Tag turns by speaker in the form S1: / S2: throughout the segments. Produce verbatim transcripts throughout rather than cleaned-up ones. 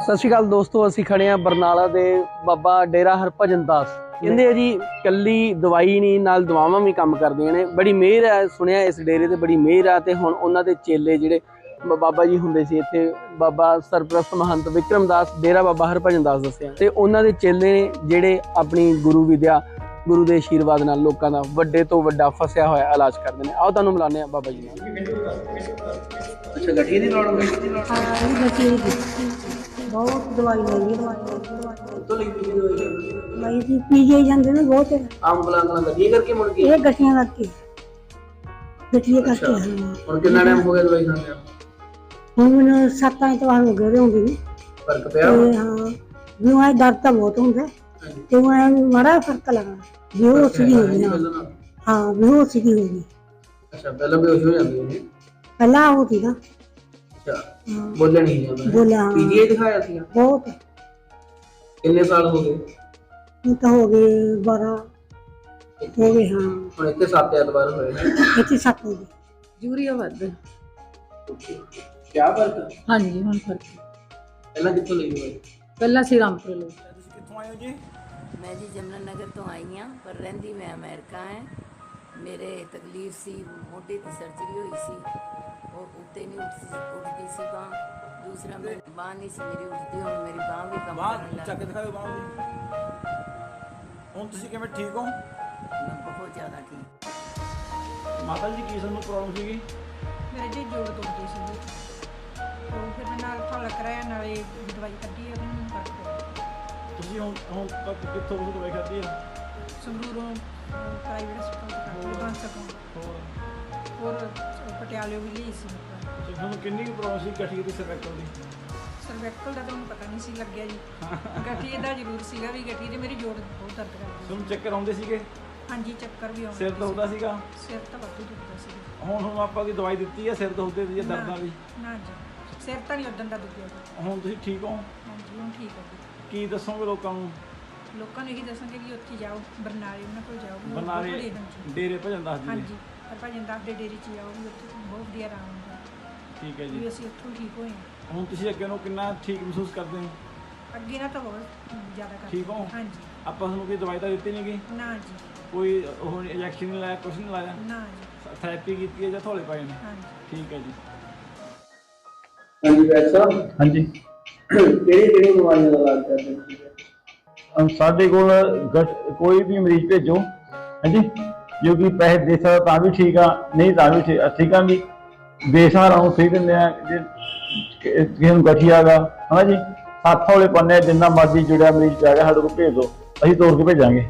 S1: सत श्री अकाल दोस्तों, असी खड़े हैं बरनाला दे बाबा डेरा हरभजन दास। कहते जी कली दवाई नहीं नाल दवावां भी काम करदियां ने। बड़ी मेहर है, सुनिया इस डेरे ते बड़ी मेहर है। ते हुण उन्हां दे चेले जिहड़े बाबा जी हुंदे सी इत्थे, बाबा सरप्रस्त महंत विक्रम दास डेरा बाबा हरभजन दास दस्सिया, ते उन्हां दे चेले ने जिहड़े अपनी गुरु विद्या गुरु के आशीर्वाद नाल लोकां दा वड्डे तो वड्डा फसिया होया इलाज करदे ने। आओ तुहानूं मिलाने आ बाबा जी नाल। अच्छा, गठिया दी लौड़ होई सी?
S2: हां, गठिया दी बहुत दवाई लई दवाई दवाई
S1: तो लई दी दवाई
S2: लई सी पीजे जांदे ने बहुत
S1: आम बुलाना गठिया करके मुड़ के
S2: ये गठिया करके गठिया करके हां।
S1: हुण कितना टाइम हो गया दवाई खांदे आ?
S2: हुण सत्त एतवार हो गए होंगे नी।
S1: फर्क पिया?
S2: हां, नुआ दर्द तो बहुत हुंदा ते मैं माड़ा फर्क लगा बेहोश भी हो गई। हां, बेहोश भी हो गई।
S1: अच्छा, पहले बेहोश हो जांदी है?
S2: पहला हो थी ना।
S1: अच्छा, बोले नहीं जाता?
S2: बोला
S1: पीजीआई दिखाया थी?
S2: बहुत।
S1: कितने साल हो गए?
S2: ये तो हो गए बारह हो गए। हां,
S1: ਹੁਣ ਇੱਥੇ ਸੱਤ ਐਤਵਾਰ ਹੋਏ ਨੇ।
S2: ਇੱਥੇ ਸੱਤ ਹੋ ਗਏ।
S3: ਯੂਰੀਆ ਵੱਧ
S1: ਕਿਆ ਫਰਕ?
S3: ਹਾਂਜੀ, ਹੁਣ ਫਰਕ
S1: ਪਹਿਲਾਂ ਕਿੱਥੋਂ ਲਈ ਦਵਾਈ?
S3: ਪਹਿਲਾਂ ਸੀ ਰਾਮਪੁਰ ਲਈ।
S1: ਤੁਸੀਂ ਕਿੱਥੋਂ ਆਏ ਹੋ ਜੀ?
S4: मैं जी जमुना नगर तो आई हाँ, पर रहिंदी मैं अमेरिका है। मेरे तकलीफ सी मोटे की सर्जरी हुई सी और उत्ते नहीं उठ उठती सी बांह। दूसरा मैं बांह नहीं सी मेरी उठती, हुण मेरी बांह भी कम करने लग
S5: ਚੱਕ ਦਿਖਾਓ ਬਾਂਹ ਦੀ। ਹੁਣ ਤੁਸੀਂ ਕਿਵੇਂ ਠੀਕ ਹੋ?
S4: मैं बहुत ज़्यादा ठीक।
S5: ਮਾਤਾ ਜੀ ਕੀ ਤੁਹਾਨੂੰ ਪ੍ਰੋਬਲਮ ਸੀਗੀ?
S6: ਮੇਰੇ ਜੀ ਜੋੜ ਦੁਖਦੇ ਸੀ, ਉਹ ਫਿਰ ਮੈਂ ਨਾਲ ਫਲ ਕਰਾਇਆ, ਨਾਲੇ ਦਵਾਈ ਕੱਢੀ ਉਹਨੂੰ ਮੈਨੂੰ ਫਰਕ ਪਿਆ।
S5: ਤੁਸੀਂ ਹੁਣ ਹੁਣ ਤੱਕ ਕਿੱਥੋਂ ਤੁਸੀਂ ਦਵਾਈ ਖਾਧੀ ਹੈ?
S6: ਸੰਗਰੂਰੋਂ ਪ੍ਰਾਈਵੇਟ ਹਸਪਤਾਲ ਤੋਂ ਬਣ ਸਕੂੰ,
S5: ਹੋਰ
S6: ਹੋਰ ਪਟਿਆਲੇ ਵੀ ਲਈ ਸੀ।
S5: ਤੇ ਤੁਹਾਨੂੰ ਕਿੰਨੀ ਕੁ ਪ੍ਰੋਬਲਮ ਸੀ ਗਠੀਏ ਦੀ ਸਰਵਾਈਕਲ ਦੀ?
S6: ਸਰਵੈਕਲ ਦਾ ਤਾਂ ਮੈਨੂੰ ਪਤਾ ਨਹੀਂ ਸੀ ਲੱਗਿਆ ਜੀ, ਗਠੀਏ ਦਾ ਜ਼ਰੂਰ ਸੀਗਾ ਵੀ ਗਠੀਏ ਦੇ ਮੇਰੀ ਜੋੜ ਬਹੁਤ ਦਰਦ ਕਰਦੀ।
S5: ਤੁਹਾਨੂੰ ਚੱਕਰ ਆਉਂਦੇ ਸੀਗੇ?
S6: ਹਾਂਜੀ, ਚੱਕਰ ਵੀ ਆਉਂਦੇ
S5: ਸਿਰ ਦੁਖਦਾ ਸੀਗਾ?
S6: ਸਿਰ ਤਾਂ ਵਾਧੂ ਦੁਖਦਾ ਸੀ।
S5: ਹੁਣ ਹੁਣ ਆਪਾਂ ਕੀ ਦਵਾਈ ਦਿੱਤੀ ਹੈ ਸਿਰ ਦੁਖਦੇ ਦੀ ਜਾਂ ਦਰਦਾਂ ਦੀ?
S6: ਨਾ ਜੀ, ਸਿਰ ਤਾਂ ਨਹੀਂ ਉਦੋਂ ਦਾ ਦੁਖਿਆ ਜੀ।
S5: ਹੁਣ ਤੁਸੀਂ ਠੀਕ ਹੋ?
S6: ਹਾਂਜੀ, ਹੁਣ ਠੀਕ ਹੈ ਜੀ।
S5: ਕੀ ਦੱਸੋਗੇ ਲੋਕਾਂ ਨੂੰ?
S6: ਲੋਕਾਂ ਨੂੰ ਇਹੀ ਦੱਸਾਂਗੇ ਕਿ ਉੱਥੇ ਜਾਓ, ਬਰਨਾਲੇ ਉਹਨਾਂ ਕੋਲ ਜਾਓ।
S5: ਬਰਨਾਲੇ
S6: ਹਾਂਜੀ
S5: ਡੇਰੇ ਭਜਨ ਦੱਸ ਦਿਓ।
S6: ਹਾਂਜੀ, ਹਰਭਜਨ ਦਾਸ ਦੇ ਡੇਰੇ 'ਚ ਜਾਓ, ਵੀ ਉੱਥੇ ਬਹੁਤ ਵਧੀਆ ਆਰਾਮ ਹੁੰਦਾ।
S5: ਠੀਕ ਹੈ
S6: ਵੀ
S5: ਜੀ।
S6: ਅਸੀਂ ਉੱਥੋਂ ਠੀਕ ਹੋਏ ਹਾਂ।
S5: ਹੁਣ ਤੁਸੀਂ ਅੱਗੇ ਨੂੰ ਕਿੰਨਾ ਠੀਕ ਮਹਿਸੂਸ ਕਰਦੇ ਹੋ?
S6: ਅੱਗੇ ਨਾ ਤਾਂ ਬਹੁਤ ਜ਼ਿਆਦਾ ਕਰ
S5: ਠੀਕ ਹੋ?
S6: ਹਾਂਜੀ।
S5: ਆਪਾਂ ਤੁਹਾਨੂੰ ਕੋਈ ਦਵਾਈ ਤਾਂ ਦਿੱਤੀ ਨਹੀਂ ਗਈ?
S6: ਨਾ ਜੀ,
S5: ਕੋਈ ਉਹ ਇੰਜੈਕਸ਼ਨ ਨਹੀਂ ਲਾਇਆ, ਕੁਛ ਨਹੀਂ ਲਾਇਆ?
S6: ਨਾ ਜੀ।
S5: ਥੈਰੇਪੀ ਕੀਤੀ ਹੈ ਜਾਂ ਥੋੜੇ ਪਾਏ ਨੇ?
S6: ਹਾਂਜੀ।
S5: ਠੀਕ ਹੈ ਜੀ।
S1: ਹਾਂਜੀ ਵੈਦ ਸਾਹਿਬ,
S7: ਹਾਂਜੀ,
S1: ਕਿਹੜੀ ਕਿਹੜੀ ਬਿਮਾਰੀਆਂ ਦਾ ਇਲਾਜ ਕਰਦੇ ਹੋ?
S7: ਅਮ ਸਾਡੇ ਕੋਲ ਗਠ- ਕੋਈ ਵੀ ਮਰੀਜ਼ ਭੇਜੋ, ਹਾਂਜੀ, ਜੋ ਕਿ ਪੈਸੇ ਦੇ ਸਕਦਾ ਤਾਂ ਵੀ ਠੀਕ ਆ, ਨਹੀਂ ਤਾਂ ਵੀ ਠੀਕ ਠੀਕ ਆ ਜੀ। ਬੇਸਹਾਰਾ ਨੂੰ ਸਹੀ ਦਿੰਦੇ ਆ। ਜੇ ਕਿ- ਕਿਸੇ ਨੂੰ ਗਠੀਆ ਗਾ ਹੈ ਨਾ ਜੀ, ਹੱਥ ਹੌਲੇ ਪਾਉਂਦੇ ਆ, ਜਿੰਨਾ ਮਰਜ਼ੀ ਜੁੜਿਆ ਮਰੀਜ਼ ਪੈ ਗਿਆ ਸਾਡੇ ਕੋਲ ਭੇਜ ਦਿਓ, ਅਸੀਂ ਤੋੜ ਕੇ ਭੇਜਾਂਗੇ।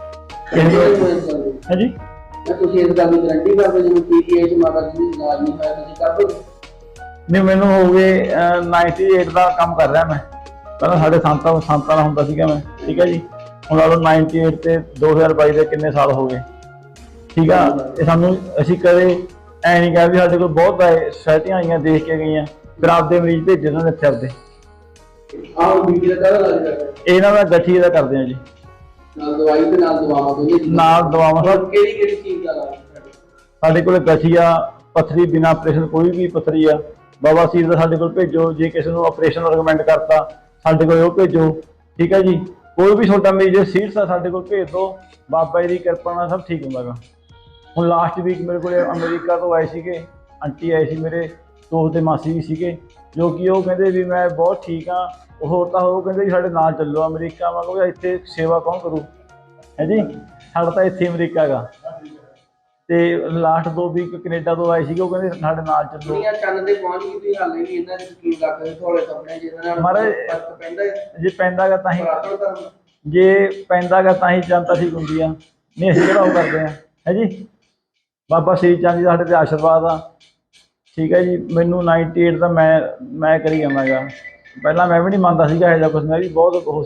S7: ਹਾਂਜੀ,
S1: ਤੁਸੀਂ ਇਸ ਗੱਲ ਦੀ ਗਾਰੰਟੀ ਕਰਦੇ ਜਿਵੇਂ ਪੀਜੀਆਈ ਚ ਮਾਤਾ ਜੀ ਦਾ ਇਲਾਜ ਨਹੀਂ ਹੋਇਆ, ਤੁਸੀਂ ਕਰ ਦੋਗੇ?
S7: ਨਹੀਂ, ਮੈਨੂੰ ਹੋ ਗਏ ਅਠਾਨਵੇਂ ਦਾ ਕੰਮ ਕਰ ਰਿਹਾ ਮੈਂ। ਪਹਿਲਾਂ ਸਾਡੇ ਸੰਤਾਂ ਸੰਤਾਂ ਦਾ ਹੁੰਦਾ ਸੀਗਾ ਮੈਂ, ਠੀਕ ਹੈ ਜੀ। ਹੁਣ ਲਾ ਲਓ ਅਠਾਨਵੇਂ ਤੇ ਦੋ ਹਜ਼ਾਰ ਬਾਈ ਦੇ ਕਿੰਨੇ ਸਾਲ ਹੋ ਗਏ, ਠੀਕ ਆ। ਇਹ ਸਾਨੂੰ ਅਸੀਂ ਕਦੇ ਐ ਨਹੀਂ ਕਿਹਾ ਵੀ ਸਾਡੇ ਕੋਲ ਬਹੁਤ ਸੋਸਾਇਟੀਆਂ ਆਈਆਂ ਦੇਖ ਕੇ ਗਈਆਂ, ਫਿਰ ਆਪਦੇ ਮਰੀਜ਼ ਭੇਜੇ ਉਹਨਾਂ ਨੇ ਇੱਥੇ ਆਪਦੇ।
S1: ਆਹ ਬੀਬੀ ਦਾ ਕਾਹਦਾ ਇਲਾਜ ਕਰਦੇ?
S7: ਇਹਨਾਂ ਦਾ ਗਠੀਏ ਦਾ ਕਰਦੇ ਆ ਜੀ,
S1: ਨਾਲ ਦਵਾਈ ਤੇ ਨਾਲ ਦਵਾਵਾਂ ਦੋਨੇ?
S7: ਨਾਲ ਦਵਾਵਾਂ।
S1: ਹੋਰ ਕਿਹੜੀ ਕਿਹੜੀ ਚੀਜ਼ ਦਾ ਇਲਾਜ ਕਰਦੇ?
S7: ਸਾਡੇ ਕੋਲ ਗਠੀਆ, ਪੱਥਰੀ ਬਿਨਾਂ ਆਪਰੇਸ਼ਨ ਕੋਈ ਵੀ ਪੱਥਰੀ ਆ, ਬਾਬਾ ਸੀਰ ਦਾ ਸਾਡੇ ਕੋਲ ਭੇਜੋ। ਜੇ ਕਿਸੇ ਨੂੰ ਆਪਰੇਸ਼ਨ ਰਿਕਮੈਂਡ ਕਰਤਾ ਸਾਡੇ ਕੋਲ ਉਹ ਭੇਜੋ, ਠੀਕ ਹੈ ਜੀ। ਕੋਈ ਵੀ ਛੋਟਾ ਮਰੀਜ਼ ਜੇ ਸੀਰੀਅਸ ਆ ਸਾਡੇ ਕੋਲ ਭੇਜ ਦਿਓ, ਬਾਬਾ ਜੀ ਦੀ ਕਿਰਪਾ ਨਾਲ ਸਭ ਠੀਕ ਹੁੰਦਾ ਗਾ। ਹੁਣ ਲਾਸਟ ਵੀਕ ਮੇਰੇ ਕੋਲ ਅਮਰੀਕਾ ਤੋਂ ਆਏ ਸੀਗੇ, ਆਂਟੀ ਆਏ ਸੀ, ਮੇਰੇ ਦੋਸਤ ਦੇ ਮਾਸੀ ਵੀ ਸੀਗੇ, ਜੋ ਕਿ ਉਹ ਕਹਿੰਦੇ ਵੀ ਮੈਂ ਬਹੁਤ ਠੀਕ ਹਾਂ। ਉਹ ਹੋਰ ਤਾਂ ਉਹ ਕਹਿੰਦੇ ਵੀ ਸਾਡੇ ਨਾਲ ਚੱਲੋ ਅਮਰੀਕਾ। ਮੈਂ ਕਿਹਾ ਇੱਥੇ ਸੇਵਾ ਕੌਣ ਕਰੂ, ਹੈ ਜੀ, ਸਾਡਾ ਤਾਂ ਇੱਥੇ ਅਮਰੀਕਾ ਗਾ। ਤੇ ਲਾਸਟ ਦੋ ਵੀਕ ਕੈਨੇਡਾ ਤੋਂ ਆਏ ਸੀਗੇ, ਉਹ ਕਹਿੰਦੇ ਸਾਡੇ ਨਾਲ ਚੱਲੋ।
S1: ਦੁਨੀਆ ਚੰਨ ਤੇ ਪਹੁੰਚ ਗਈ, ਤੁਸੀਂ ਹਾਲੇ ਵੀ ਇਹਨਾਂ ਦੇ ਯਕੀਨ ਰੱਖਦੇ ਥੋੜੇ ਸੁਪਨੇ ਜਿਹਨਾਂ ਨਾਲ
S7: ਮਹਾਰਾਜ
S1: ਫਰਕ ਪੈਂਦਾ ਹੈ?
S7: ਜੇ ਪੈਂਦਾ ਗਾ ਤਾਂ ਹੀ,
S1: ਪੁਰਾਤਨ ਧਰਮ
S7: ਜੇ ਪੈਂਦਾ ਗਾ ਤਾਂ ਹੀ ਜਨਤਾ ਠੀਕ ਹੁੰਦੀ ਆ। ਨਹੀਂ ਅਸੀਂ ਕਿਹੜਾ ਉਹ ਕਰਦੇ ਆ, ਹੈ ਜੀ। ਬਾਬਾ ਸ਼੍ਰੀ ਚੰਦ ਜੀ ਦਾ ਸਾਡੇ ਤੇ ਆਸ਼ੀਰਵਾਦ ਆ, ਠੀਕ ਹੈ ਜੀ। ਮੈਨੂੰ ਅਠਾਨਵੇਂ ਦਾ ਮੈਂ ਮੈਂ ਕਰੀ ਜਾਵਾਂਗਾ। ਪਹਿਲਾਂ ਮੈਂ ਵੀ ਨਹੀਂ ਮੰਨਦਾ ਸੀਗਾ ਇਹੋ ਜਿਹਾ ਕੁਛ, ਮੈਂ ਵੀ ਬਹੁਤ